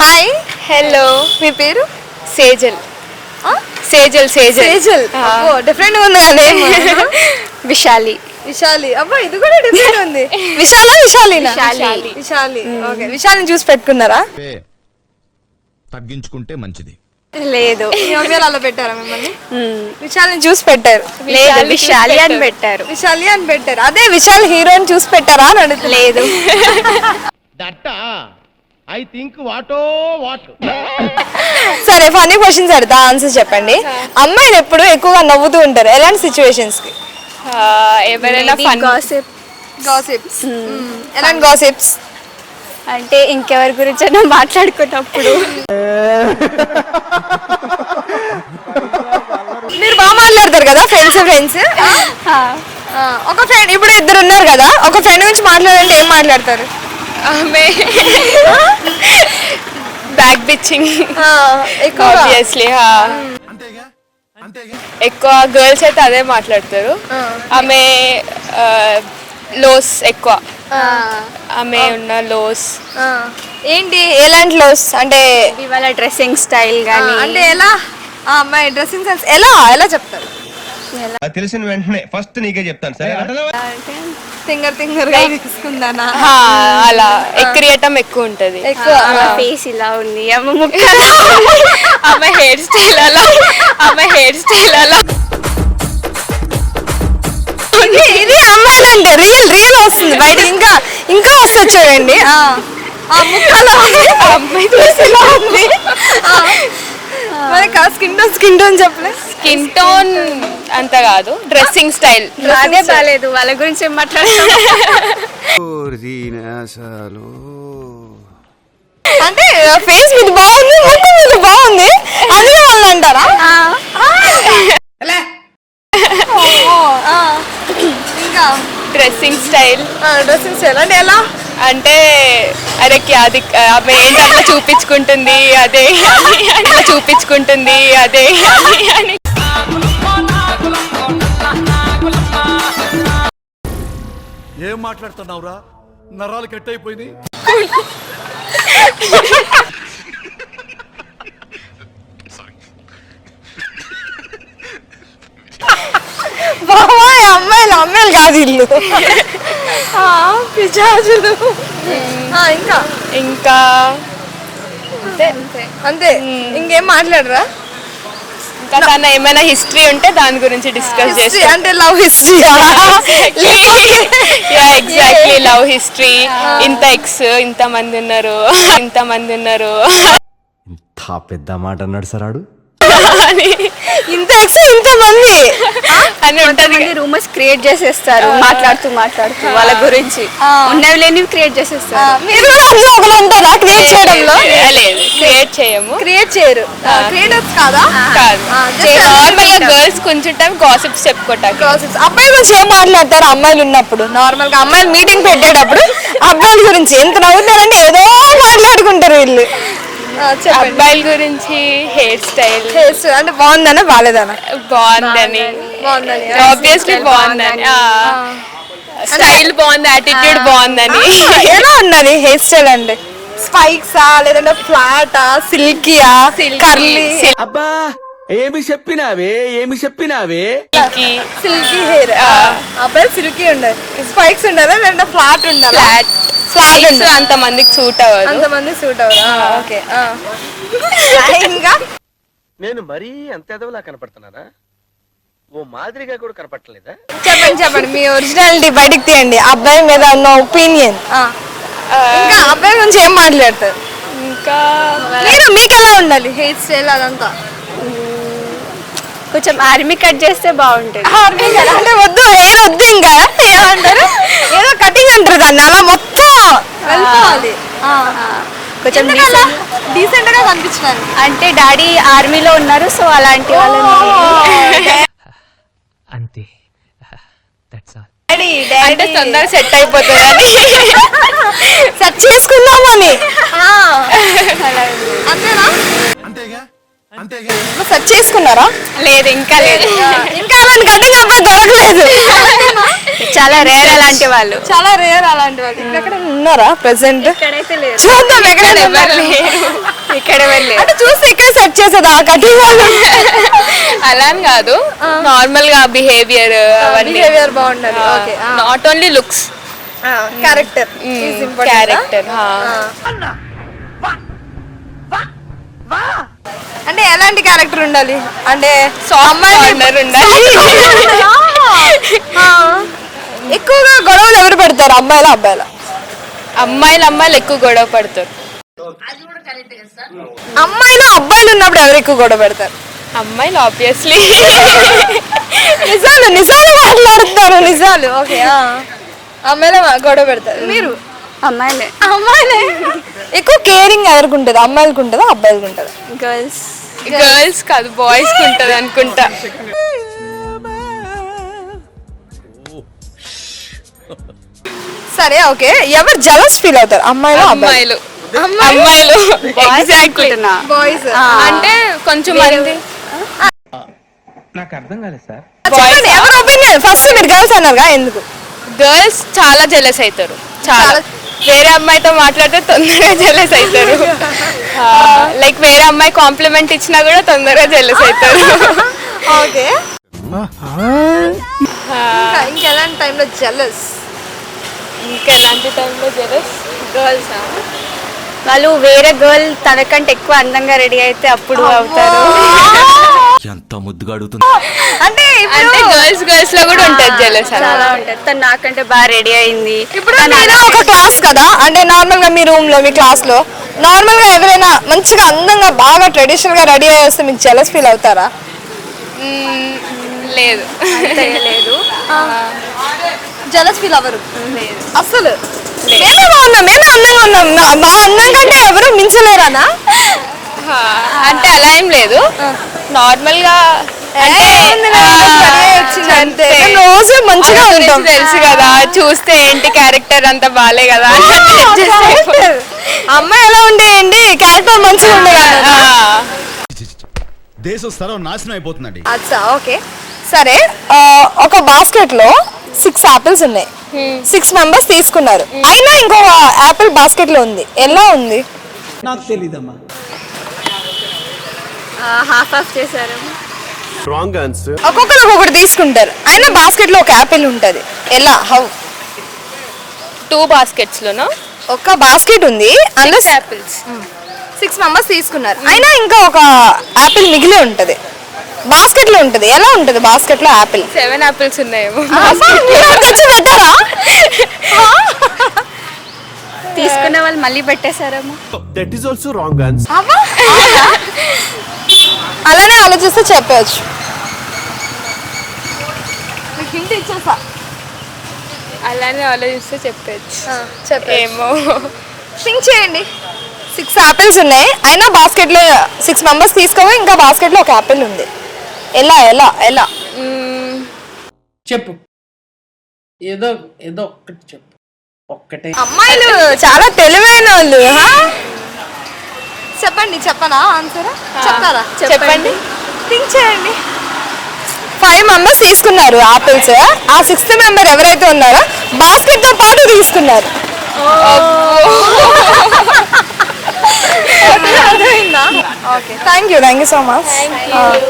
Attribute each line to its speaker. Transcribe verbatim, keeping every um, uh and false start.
Speaker 1: Hi.
Speaker 2: Hello.
Speaker 1: మీ పేరు?
Speaker 2: సేజల్. సేజల్ సేజల్
Speaker 1: సేజల్. అబ్బో different గా ఉంది కదా.
Speaker 2: విశాలి.
Speaker 1: విశాలి. అబ్బా ఇది కూడా డిఫరెంట్ ఉంది. విశాల విశాలినా?
Speaker 2: విశాలి.
Speaker 1: విశాలి. ఓకే. విశాలిని చూసి పెట్టుకున్నారా?
Speaker 3: తగ్గించుకుంటే మంచిది.
Speaker 2: లేదు.
Speaker 1: మీ మమ్మీ అలా పెట్టారా మిమ్మల్ని? విశాలిని చూసి పెట్టారు.
Speaker 2: లేదు, విశాలి అని పెట్టారు.
Speaker 1: విశాలి అని పెట్టారు. అదే విశాల్ హీరోని చూసి పెట్టారా అని అడుగుతుంది.
Speaker 2: లేదు.
Speaker 3: ఐ థింక్ వాటో వాట్.
Speaker 1: సరే ఫన్నీ క్వశ్చన్స్ అడుగుతా, ఆన్సర్స్ చెప్పండి. అమ్మాయిలు ఎప్పుడు ఎక్కువగా నవ్వుతూ ఉంటారు ఎలాంటి సిచ్యువేషన్స్ కి?
Speaker 2: ఎవరైనా ఫన్ గాసిప్.
Speaker 1: గాసిప్స్. ఎలాంటి గాసిప్స్?
Speaker 2: అంటే ఇంకెవరి గురించి అయినా మాట్లాడుకున్నప్పుడు.
Speaker 1: మీరు బాగా మాట్లాడతారు కదా ఫ్రెండ్స్ ఫ్రెండ్స్ ఒక ఫ్రెండ్ ఇప్పుడు ఇద్దరు ఉన్నారు కదా, ఒక ఫ్రెండ్ గురించి మాట్లాడాలంటే ఏం మాట్లాడతారు?
Speaker 2: ఆమె బ్యాక్ బిచ్చింగ్ ఆబ్వియస్లీ. ఎక్కువ గర్ల్స్ అయితే అదే మాట్లాడతారు. ఆమె లోస్ ఎక్కువ, ఆమె ఉన్న లోస్.
Speaker 1: ఏంటి ఎలాంటి లోస్ అంటే?
Speaker 2: ఇవాళ డ్రెస్సింగ్ స్టైల్ కానీ
Speaker 1: అంటే ఎలా? ఆ అమ్మాయి డ్రెస్సింగ్ సెన్స్ ఎలా ఎలా చెప్తారు?
Speaker 3: తెలిసిన వెంటనే ఫస్ట్ నీకే చెప్తాను సరే.
Speaker 1: తింగర్ తింగర్ గా తీసుకుందానా?
Speaker 2: అలా ఎక్కిరియటం ఎక్కువ ఉంటది.
Speaker 1: ఎక్కువ
Speaker 2: ఫేస్ ఇలా ఉంది, ఆమె ముక్క ఆమె హెయిర్ స్టైల్ అలా, ఆమె హెయిర్ స్టైల్ అలా.
Speaker 1: ఇది ఇది అమ్మాయిలు అంటే రియల్ రియల్ వస్తుంది బయట. ఇంకా ఇంకా వస్తుంది చూడండి. ఆ ముక్కలో
Speaker 2: అమ్మాయి ఇలా ఉంది.
Speaker 1: మరి స్కిన్ టోన్ స్కిన్ టోన్ చెప్పలే.
Speaker 2: స్కిన్ టోన్ అంత కాదు, డ్రెస్సింగ్ స్టైల్ అదే బాలేదు. వాళ్ళ గురించి ఏం మాట్లాడతాం?
Speaker 1: అంటే ఫేస్ మీద బాగుంది, ముక్కు మీద బాగుంది, అదే వాళ్ళు అంటారా? ఇంకా
Speaker 2: డ్రెస్సింగ్ స్టైల్.
Speaker 1: డ్రెస్సింగ్ స్టైల్ అంటే ఎలా?
Speaker 2: అంటే అరే అది ఆమె ఏంటి అట్లా చూపించుకుంటుంది అదే అట్లా చూపించుకుంటుంది అదే అని.
Speaker 4: ఏం మాట్లాడుతున్నావురా? నరాలు కట్ అయిపోయింది.
Speaker 1: బాబాయ్ అమ్మాయిలు అమ్మాయిలు కాదు ఇల్లు పిశాచులు. ఇంకా
Speaker 2: ఇంకా
Speaker 1: అంతే అంతే ఇంకేం మాట్లాడరా?
Speaker 2: ఇంకా తన ఏమైనా హిస్టరీ ఉంటే దాని గురించి డిస్కస్ చేస్తాం.
Speaker 1: అంటే love history.
Speaker 2: Exactly love history. ఇంత ఎక్స్ ఇంత మంది ఉన్నారు, ఇంత మంది ఉన్నారు.
Speaker 5: ఇంత పెద్ద మాట అన్నాడు సరాడు.
Speaker 1: ఇంత ఎక్స్ ఇంత మంది
Speaker 2: అని ఉంటది.
Speaker 6: రూమర్స్ క్రియేట్ చేసేస్తారు మాట్లాడుతూ మాట్లాడుతూ వాళ్ళ గురించి ఉన్నవి లేనివి క్రియేట్ చేసేస్తారు.
Speaker 1: మీరు కూడా అందులో ఒకరు ఉంటారా క్రియేట్ చేయడంలో?
Speaker 2: లేదు, క్రియేట్ చేయము.
Speaker 1: క్రియేట్ చేయరు. క్రియేటర్స్ కాదా?
Speaker 2: కాదు. నార్మల్ గా గర్ల్స్ కొంచెం టైం గాసిప్స్ చెప్పుకుంటారు.
Speaker 1: గాసిప్స్. అబ్బాయిల గురించి ఏం మాట్లాడతారు అమ్మాయిలు ఉన్నప్పుడు? నార్మల్ గా అమ్మాయిలు మీటింగ్ పెట్టేటప్పుడు అబ్బాయిల గురించి ఎంత నవ్వుతారంటే ఏదో మాట్లాడుకుంటారు వీళ్ళు.
Speaker 2: అబ్బాయిల గురించి హెయిర్ స్టైల్.
Speaker 1: హెయిర్ స్టైల్ అంటే బాగుందనా బాలేదనా?
Speaker 2: బాగుందని.
Speaker 1: బాగుందని
Speaker 2: ఆబ్వియస్లీ బాగుందని. స్టైల్ బాగుంది, యాటిట్యూడ్ బాగుందని.
Speaker 1: ఎలా ఉన్నది హెయిర్ స్టైల్ అంటే? స్పైక్సా లేదంటే ఫ్లాటా, సిల్కీయా, కర్లీ?
Speaker 5: అబ్బా ఏమి చెప్పినావే ఏమి చెప్పినావే.
Speaker 1: Silky hair. అబ్బాయి సిల్కీ ఉండదు. స్పైక్స్ ఉండదా లేదంటే ఫ్లాట్ ఉండాలి?
Speaker 2: ఫ్లాట్. ఫ్లాట్ అంత మందికి సూట్ అవ్వదు.
Speaker 1: అంతమంది సూట్ అవ్వదు. ఓకే. ఇంకా
Speaker 7: నేను మరీ అంత ఎదవలా కనపడుతున్నానా? ఓ మాదిరిగా కూడా కనపడలేదా?
Speaker 1: చెప్పండి చెప్పండి మీ ఒరిజినాలిటీ బయటికి తీయండి. అబ్బాయి మీద ఉన్న ఒపీనియన్. ఇంకా అబ్బాయి గురించి ఏం మాట్లాడతారు?
Speaker 2: ఇంకా
Speaker 1: మీరు మీకు ఎలా ఉండాలి హెయిర్ స్టైల్ అదంతా?
Speaker 6: కొంచెం ఆర్మీ కట్ చేస్తే బాగుంటుంది.
Speaker 1: అంటే వద్దు హెయిర్ వద్దు ఇంకా ఏమంటారు ఏదో కటింగ్ అంటారు దాన్ని, అలా మొత్తం వెళ్ళిపోవాలి.
Speaker 6: కొంచెం
Speaker 1: డీసెంట్ గా కనిపించాలి.
Speaker 6: అంటే డాడీ ఆర్మీలో ఉన్నారు సో అలాంటి వాళ్ళని
Speaker 5: అంతే.
Speaker 2: అంటే తొందరగా సెట్ అయిపోతుందని
Speaker 1: సెట్ చేసుకుందామని. అంతేనా?
Speaker 4: అంతేగా అంతేగా.
Speaker 1: సెట్ చేసుకున్నారా?
Speaker 2: లేదు, ఇంకా లేదు.
Speaker 1: ఇంకా అలాంటి కటింగ్ అబ్బాయి దొరకలేదు.
Speaker 6: చాలా రేర్ అలాంటి వాళ్ళు.
Speaker 1: చాలా రేర్ అలాంటి వాళ్ళు. ఇక్కడ ఉన్నారా ప్రెసెంట్?
Speaker 6: ఇక్కడైతే లేదు.
Speaker 1: చూద్దాం ఎక్కడ
Speaker 2: ఎవరు లేరు.
Speaker 6: ఇక్కడ వెళ్ళి
Speaker 1: అంటే చూస్తే ఇక్కడ సెట్ చేసేది ఆ కటింగ్ వాళ్ళు
Speaker 2: అలా అని కాదు, నార్మల్ గా బిహేవియర్ అవన్నీ
Speaker 1: బిహేవియర్ బాగుండాలి. Okay,
Speaker 2: not only looks,
Speaker 1: character
Speaker 2: character.
Speaker 1: అంటే ఎలాంటి క్యారెక్టర్ ఉండాలి అంటే
Speaker 2: కార్నర్ ఉండాలి.
Speaker 1: ఆ, ఎక్కువగా గొడవలు ఎవరు పెడతారు, అమ్మాయిలా అబ్బాయిలా?
Speaker 2: అమ్మాయిలు అమ్మాయిలు ఎక్కువ గొడవ పడతారు.
Speaker 1: అమ్మాయిలు అబ్బాయిలు ఉన్నప్పుడు ఎవరు ఎక్కువ గొడవ పెడతారు?
Speaker 2: అమ్మాయిలు ఆబ్వియస్లీ.
Speaker 1: నిజాలు నిజాలు మాట్లాడుతున్నారు, నిజాలు. ఓకే, అమ్మాయిలే మా- గొడవ పెడతారు. మీరు?
Speaker 6: అమ్మాయిలే.
Speaker 1: అమ్మాయిలే. ఎక్కువ కేరింగ్ ఎవరికి ఉంటుంది, అమ్మాయిలకు ఉంటుందా అబ్బాయిలకు ఉంటుందా?
Speaker 6: గర్ల్స్.
Speaker 2: గర్ల్స్ కాదు, బాయ్స్ కి ఉంటది అనుకుంటా.
Speaker 1: సరే, ఓకే, ఎవరు జలస్ ఫీల్ అవుతారు, అమ్మాయిలు అబ్బాయిలు?
Speaker 2: అమ్మాయిలు అమ్మాయిలు ఎగ్జాక్ట్లీ.
Speaker 1: బాయ్స్.
Speaker 2: అంటే కొంచెం మంది
Speaker 3: నాకు అర్థం కాలేదు సార్.
Speaker 1: చెప్పండి, ఎవరు ఒపీనియన్? ఫస్ట్ మీరు గర్ల్స్ అన్నారుగా, ఎందుకు?
Speaker 2: గర్ల్స్ చాలా జెలస్ అవుతారు, చాలా. వేరే అమ్మాయితో మాట్లాడితే తొందరగా జెలస్ అవుతారు. లైక్ వేరే అమ్మాయి కాంప్లిమెంట్ ఇచ్చినా కూడా తొందరగా జెలస్ అవుతారు.
Speaker 1: ఓకే, ఇంకెలాంటి టైంలో జలస్?
Speaker 2: ఇంకా ఎలాంటి టైంలో జెలస్?
Speaker 6: గర్ల్స్ వాళ్ళు వేరే గర్ల్ తనకంటే ఎక్కువ అందంగా రెడీ అయితే అప్పుడు అవుతారు.
Speaker 4: ఎంత ముద్దుగా అడుగుతుంది.
Speaker 1: అంటే
Speaker 2: అంటే గర్ల్స్ గర్ల్స్ లో కూడా ఉంటుంది జెలస్.
Speaker 6: చాలా ఉంటుంది. తను నాకంటే బాగా రెడీ అయింది.
Speaker 1: ఇప్పుడు మీరు ఒక క్లాస్ కదా, అంటే నార్మల్ గా మీ రూమ్ లో మీ క్లాస్ లో నార్మల్ గా ఎవరైనా మంచిగా అందంగా బాగా ట్రెడిషనల్ గా రెడీ అయ్యి వస్తే మీకు జెలస్ ఫీల్ అవుతారా?
Speaker 2: లేదు
Speaker 6: లేదు.
Speaker 1: జెలస్ ఫీల్ అవ్వరు అసలు? మేమే బాగున్నాం, మేమే అందంగా ఉన్నాం, మా- మా అందం కంటే ఎవరు మించలేరానా?
Speaker 2: అంటే అలా ఏం లేదు, నార్మల్ గా అంటే
Speaker 1: అంతే, మేము రోజు మంచిగా
Speaker 2: గురించి
Speaker 1: ఉంటాం.
Speaker 2: తెలుసు కదా, చూస్తే ఏంటి క్యారెక్టర్ అంత బాలే కదా.
Speaker 1: Character. అమ్మాయి ఎలా ఉండేయండి, క్యారెక్టర్ మంచిగా ఉండే కదా.
Speaker 4: దేశం స్థలం నాశనం అయిపోతుందండి.
Speaker 1: అచ్చా, ఓకే, సరే. ఆ, ఒక బాస్కెట్ లో సిక్స్ ఆపిల్స్ ఉన్నాయి, సిక్స్ మెంబర్స్ తీసుకున్నారు, అయినా ఇంకొక ఆపిల్ బాస్కెట్ లో ఉంది, ఎలా ఉంది?
Speaker 6: హాఫ్ ఆఫ్ చేశారు.
Speaker 4: Wrong answer.
Speaker 1: ఒక్కొక్కరు ఒక్కొక్కటి తీసుకుంటారు, అయినా బాస్కెట్ లో ఒక ఆపిల్ ఉంటది, ఎలా? హౌ?
Speaker 2: టూ బాస్కెట్స్ లోనో
Speaker 1: ఒక బాస్కెట్ ఉంది, అందులో
Speaker 2: యాపిల్స్.
Speaker 1: సిక్స్ మెంబర్స్ తీసుకున్నారు, అయినా ఇంకా ఒక ఆపిల్ మిగిలి ఉంటది, బాస్కెట్ లో ఉంటది, ఎలా ఉంటది బాస్కెట్ లో ఆపిల్?
Speaker 2: సెవెన్ యాపిల్స్ ఉన్నాయేమో.
Speaker 1: తెచ్చి పెట్టారా?
Speaker 6: తీసుకున్న వాళ్ళు మళ్ళీ పెట్టేశారేమో.
Speaker 4: That is also wrong answer.
Speaker 1: అవ్వా? అలానే ఆలోచిస్తే చెప్పవచ్చు. మీకు హింట్ ఇచ్చేసా.
Speaker 2: అలానే ఆలోచిస్తే చెప్పచ్చు.
Speaker 1: చెప్పేమో
Speaker 2: ఏమో
Speaker 1: థింక్ చేయండి. సిక్స్ ఆపిల్స్ ఉన్నాయి, అయినా బాస్కెట్ లో సిక్స్ మెంబర్స్ తీసుకోవాలి, ఇంకా బాస్కెట్ లో ఒక ఆపిల్ ఉంది, ఎలా ఎలా ఎలా?
Speaker 8: చెప్పు, ఏదో ఏదో ఒక్కటి చెప్పు, ఒక్కటే.
Speaker 1: అమ్మాయిలు చాలా తెలివైన వాళ్ళు. హా? చెప్పండి, చెప్పనా ఆన్సర్? చెప్తారా?
Speaker 2: చెప్పండి.
Speaker 1: థింక్ చేయండి. ఫైవ్ మెంబర్స్ తీసుకున్నారు ఆపిల్స్, ఆ సిక్స్త్ మెంబర్ ఎవరైతే ఉన్నారో బాస్కెట్ తో పాటు తీసుకున్నారు. Okay, thank you thank you so much.